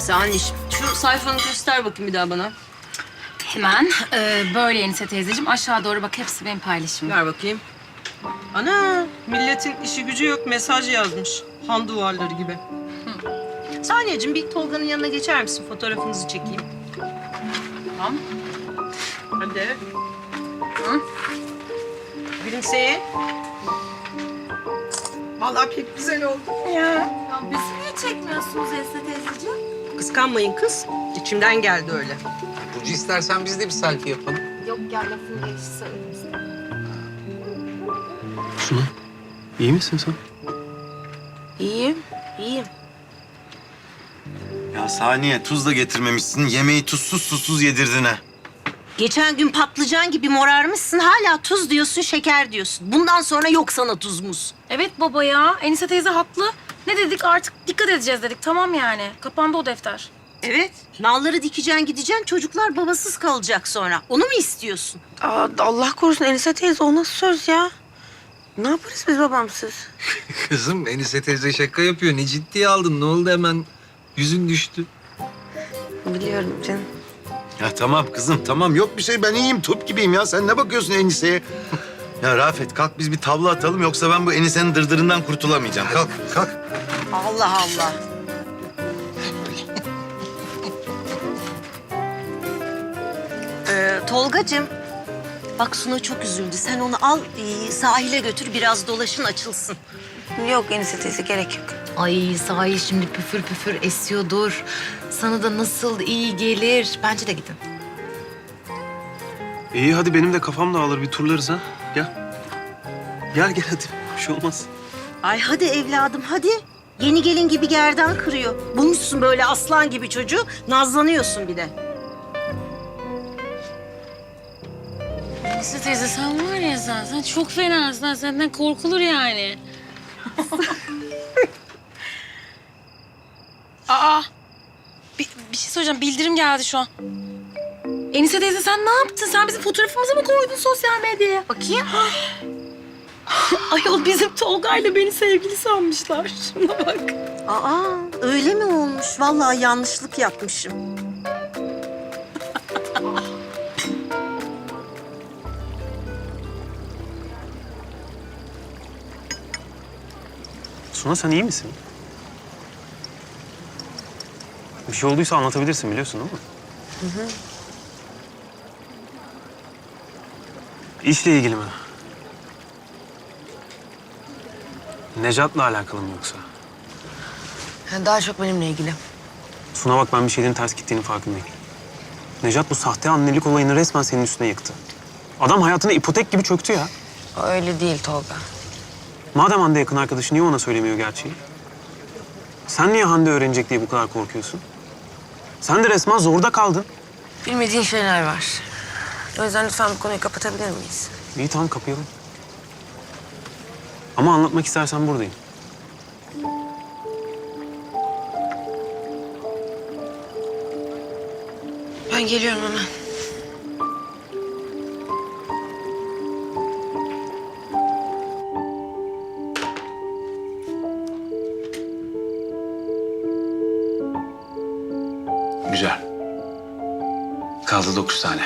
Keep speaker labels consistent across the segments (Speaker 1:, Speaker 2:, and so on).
Speaker 1: Neyse anneciğim. Şu sayfanı göster bakayım bir daha bana.
Speaker 2: Hemen böyle Enise teyzeciğim. Aşağı doğru bak, hepsi benim paylaşımım.
Speaker 1: Ver bakayım. Ana, milletin işi gücü yok, mesaj yazmış. Han duvarları gibi. Saniyeciğim, bir Tolga'nın yanına geçer misin? Fotoğrafınızı çekeyim.
Speaker 2: Tamam.
Speaker 1: Hadi. Hı? Gülümseyin. Vallahi pek güzel oldu.
Speaker 3: Ya bizi niye çekmiyorsunuz Enise teyzeciğim?
Speaker 1: Kıskanmayın kız. İçimden geldi öyle.
Speaker 4: Burcu istersen biz de bir selfie yapalım.
Speaker 3: Yok ya lafın gelişi söyledim sana.
Speaker 5: Suna, iyi misin sen?
Speaker 1: İyiyim, iyiyim.
Speaker 6: Ya Saniye tuz da getirmemişsin. Yemeği tuzsuz yedirdin ha.
Speaker 1: Geçen gün patlıcan gibi morarmışsın. Hala tuz diyorsun, şeker diyorsun. Bundan sonra yok sana tuz muz.
Speaker 2: Evet baba ya. Enise teyze haklı. Ne dedik, artık dikkat edeceğiz dedik. Tamam yani. Kapandı o defter.
Speaker 1: Evet. Nalları dikeceksin, gideceksin. Çocuklar babasız kalacak sonra. Onu mu istiyorsun?
Speaker 7: Allah korusun Enise teyze, o nasıl söz ya? Ne yaparız biz babamsız?
Speaker 4: Kızım Enise teyze şaka yapıyor. Ne ciddiye aldın? Ne oldu hemen? Yüzün düştü.
Speaker 7: Biliyorum canım.
Speaker 6: Ya tamam kızım tamam yok bir şey ben iyiyim top gibiyim ya. Sen ne bakıyorsun Enise'ye? Ya Rafet kalk biz bir tavla atalım yoksa ben bu Enise'nin dırdırından kurtulamayacağım. Kalk kalk.
Speaker 1: Allah Allah. Tolgacığım, bak Suna çok üzüldü. Sen onu al, sahile götür, biraz dolaşın, açılsın.
Speaker 7: Yok Enise teyze, gerek yok.
Speaker 8: Ay sahi şimdi püfür püfür esiyordur. Sana da nasıl iyi gelir. Bence de gidin.
Speaker 5: İyi hadi benim de kafam dağılır bir turlarız ha. Gel. Gel hadi. Bir şey olmaz.
Speaker 1: Ay hadi evladım, hadi. Yeni gelin gibi gerdan kırıyor. Bulmuşsun böyle aslan gibi çocuğu, nazlanıyorsun bir de.
Speaker 2: Enise teyze sen var ya sen çok fenasın. Senden korkulur yani. Aa! Bir şey söyleyeceğim. Bildirim geldi şu an. Enise teyze sen ne yaptın? Sen bizim fotoğrafımızı mı koydun sosyal medyaya?
Speaker 8: Bakayım.
Speaker 2: Ayol bizim Tolga'yla beni sevgili sanmışlar. Şuna bak.
Speaker 1: Aa, öyle mi olmuş? Vallahi yanlışlık yapmışım.
Speaker 5: Suna sen iyi misin? Bir şey olduysa anlatabilirsin biliyorsun değil mi? Hı. İşle ilgili mi? Necat'la alakalı mı yoksa?
Speaker 7: Daha çok benimle ilgili.
Speaker 5: Suna bak ben bir şeylerin ters gittiğini farkındayım. Necat bu sahte annelik olayını resmen senin üstüne yıktı. Adam hayatına ipotek gibi çöktü ya.
Speaker 7: O öyle değil Tolga.
Speaker 5: Madem Hande yakın arkadaşı niye ona söylemiyor gerçeği? Sen niye Hande öğrenecek diye bu kadar korkuyorsun? Sen de resmen zorda kaldın.
Speaker 7: Bilmediğin şeyler var. O yüzden lütfen bu konuyu kapatabilir miyiz?
Speaker 5: İyi tamam kapayalım. Ama anlatmak istersen buradayım.
Speaker 7: Ben geliyorum hemen.
Speaker 4: Güzel. Kaldı 9 tane.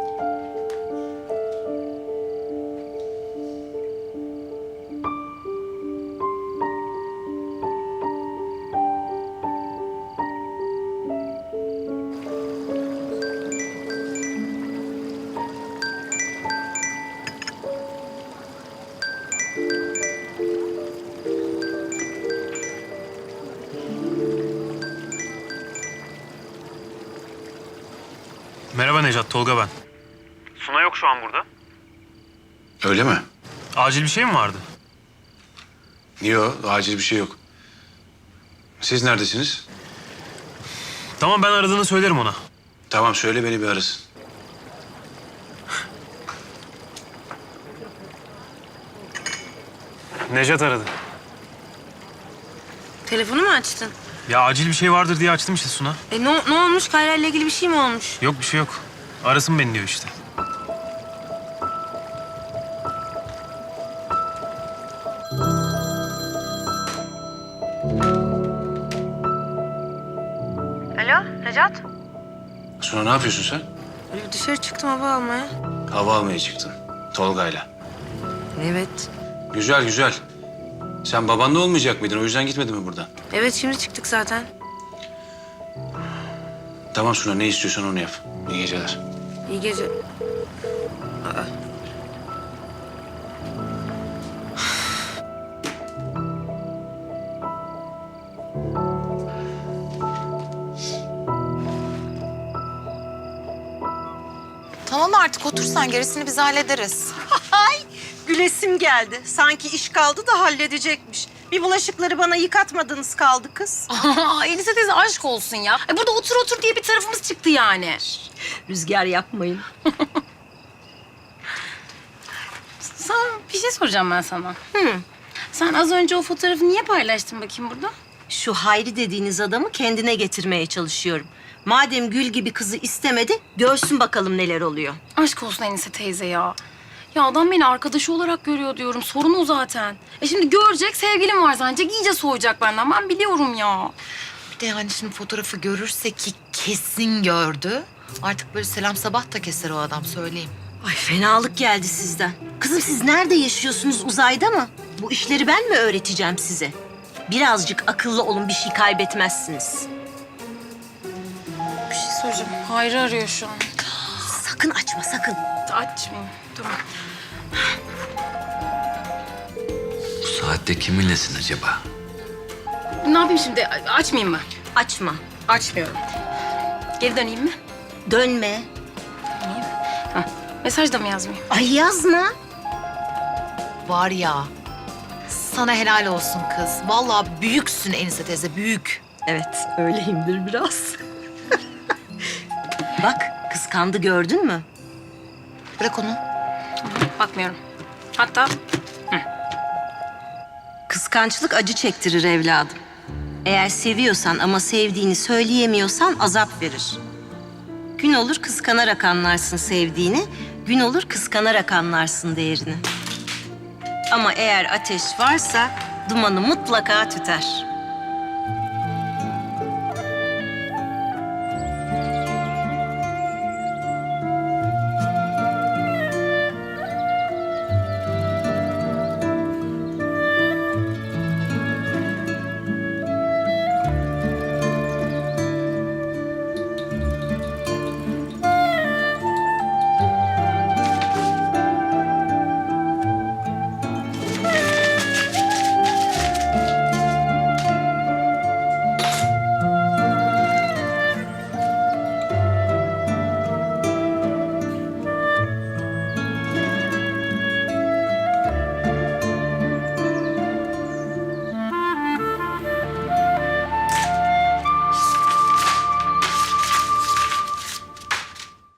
Speaker 5: Merhaba Necat, Tolga ben. Suna yok şu an burada.
Speaker 4: Öyle mi?
Speaker 5: Acil bir şey mi vardı?
Speaker 4: Yok, acil bir şey yok. Siz neredesiniz?
Speaker 5: Tamam ben aradığını söylerim ona.
Speaker 4: Tamam, söyle beni bir arasın.
Speaker 5: Necat aradı.
Speaker 7: Telefonu mu açtın?
Speaker 5: Ya acil bir şey vardır diye açtım işte Suna.
Speaker 7: Ne olmuş? Kayra ile ilgili bir şey mi olmuş?
Speaker 5: Yok bir şey yok. Arasın beni diyor işte.
Speaker 7: Alo? Necat?
Speaker 9: Sonra ne yapıyorsun sen?
Speaker 7: Dışarı çıktım hava almaya.
Speaker 9: Hava almaya çıktın. Tolga'yla.
Speaker 7: Evet.
Speaker 9: Güzel güzel. Sen babanla olmayacak mıydın? O yüzden gitmedin mi buradan?
Speaker 7: Evet şimdi çıktık zaten.
Speaker 9: Tamam Suna, ne istiyorsan onu yap. İyi geceler.
Speaker 7: İyi gece.
Speaker 8: Tamam artık otur sen, gerisini biz hallederiz.
Speaker 1: Gülesim geldi. Sanki iş kaldı da halledecekmiş. Bir bulaşıkları bana yıkatmadınız kaldı kız.
Speaker 2: Enise teyze aşk olsun ya. Burada otur otur diye bir tarafımız çıktı yani.
Speaker 1: Rüzgar yapmayın.
Speaker 2: Sana bir şey soracağım ben sana. Sen az önce o fotoğrafı niye paylaştın bakayım burada?
Speaker 1: Şu Hayri dediğiniz adamı kendine getirmeye çalışıyorum. Madem Gül gibi kızı istemedi, görsün bakalım neler oluyor.
Speaker 2: Aşk olsun Enise teyze ya. Ya adam beni arkadaşı olarak görüyor diyorum. Sorun o zaten. Şimdi görecek, sevgilim var zannedecek. İyice soğuyacak benden. Ben biliyorum ya.
Speaker 8: Bir de yani şimdi fotoğrafı görürse ki kesin gördü. Artık böyle selam sabah da keser o adam, söyleyeyim.
Speaker 1: Ay fenalık geldi sizden. Kızım siz nerede yaşıyorsunuz, uzayda mı? Bu işleri ben mi öğreteceğim size? Birazcık akıllı olun, bir şey kaybetmezsiniz.
Speaker 2: Bir şey soracağım. Hayri arıyor şu an.
Speaker 1: Sakın açma, sakın.
Speaker 2: Açmayayım. Tamam.
Speaker 4: Bu saatte kiminlesin acaba?
Speaker 2: Ne yapayım şimdi? Açmayayım mı?
Speaker 1: Açma.
Speaker 2: Açmıyorum. Geri döneyim mi?
Speaker 1: Dönme.
Speaker 2: Mesaj da mı yazmayayım?
Speaker 1: Ay yazma.
Speaker 8: Var ya, sana helal olsun kız. Vallahi büyüksün Enise teyze, büyük.
Speaker 1: Evet, öyleyimdir biraz. Bak, kıskandı gördün mü?
Speaker 8: Bırak onu.
Speaker 2: Bakmıyorum. Hatta
Speaker 1: Kıskançlık acı çektirir evladım. Eğer seviyorsan ama sevdiğini söyleyemiyorsan azap verir. Gün olur kıskanarak anlarsın sevdiğini, gün olur kıskanarak anlarsın değerini. Ama eğer ateş varsa dumanı mutlaka tüter.